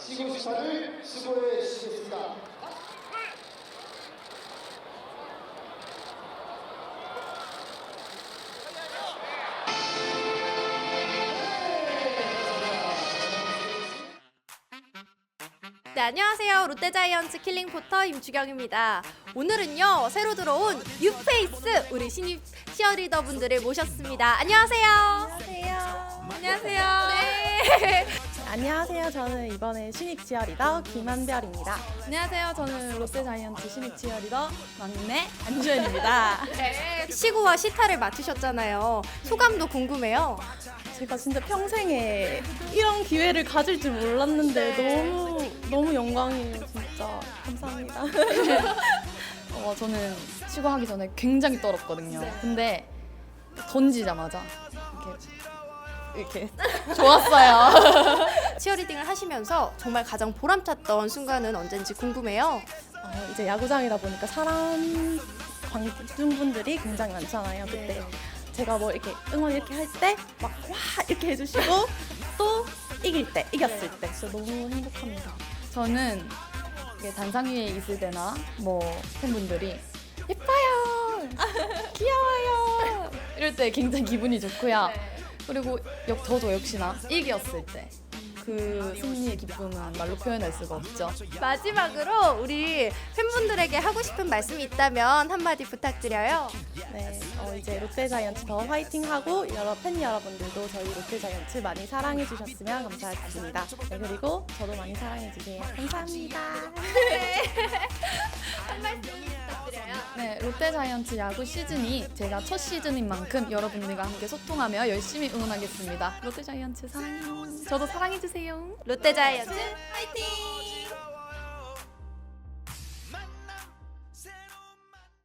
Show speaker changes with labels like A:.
A: 시구 심판을 수고해 주시겠습니다.
B: 네, 안녕하세요. 롯데자이언츠 킬링포터 임주경입니다. 오늘은요, 새로 들어온 뉴페이스 우리 신입 치어리더 분들을 모셨습니다. 안녕하세요.
C: 안녕하세요.
B: 안녕하세요. 네.
C: 안녕하세요. 저는 이번에 신입 치어리더 김한별입니다.
D: 안녕하세요. 저는 롯데자이언츠 신입 치어리더 막내 안주현입니다.
B: 네. 시구와 시타를 맡으셨잖아요. 소감도 궁금해요.
C: 제가 진짜 평생에 이런 기회를 가질 줄 몰랐는데 너무 영광이에요. 진짜 감사합니다.
D: 저는 시구하기 전에 굉장히 떨었거든요. 근데 던지자마자 이렇게 좋았어요.
B: 치어리딩을 하시면서 정말 가장 보람찼던 순간은 언젠지 궁금해요.
C: 이제 야구장이다 보니까 사람 관중분들이 굉장히 많잖아요. 그때 제가 뭐 이렇게 응원 이렇게 할 때 막 와 이렇게 해주시고 또 이겼을 때 진짜 너무 행복합니다.
D: 저는 이게 단상 위에 있을 때나 뭐 팬분들이 예뻐요, 귀여워요 이럴 때 굉장히 기분이 좋고요. 그리고 저도 역시나 이겼을 때 그 승리의 기쁨은 말로 표현할 수가 없죠.
B: 마지막으로 우리 팬분들에게 하고 싶은 말씀이 있다면 한마디 부탁드려요.
C: 네, 이제 롯데자이언츠 더 화이팅하고 팬 여러분들도 저희 롯데자이언츠 많이 사랑해 주셨으면 감사하겠습니다. 네, 그리고 저도 많이 사랑해 주세요. 감사합니다.
B: 한 말씀 부탁드려요.
D: 네, 롯데자이언츠 야구 시즌이 제가 첫 시즌인 만큼 여러분들과 함께 소통하며 열심히 응원하겠습니다. 롯데자이언츠 사랑해요. 저도 사랑해주세요.
B: 롯데자이언츠 화이팅!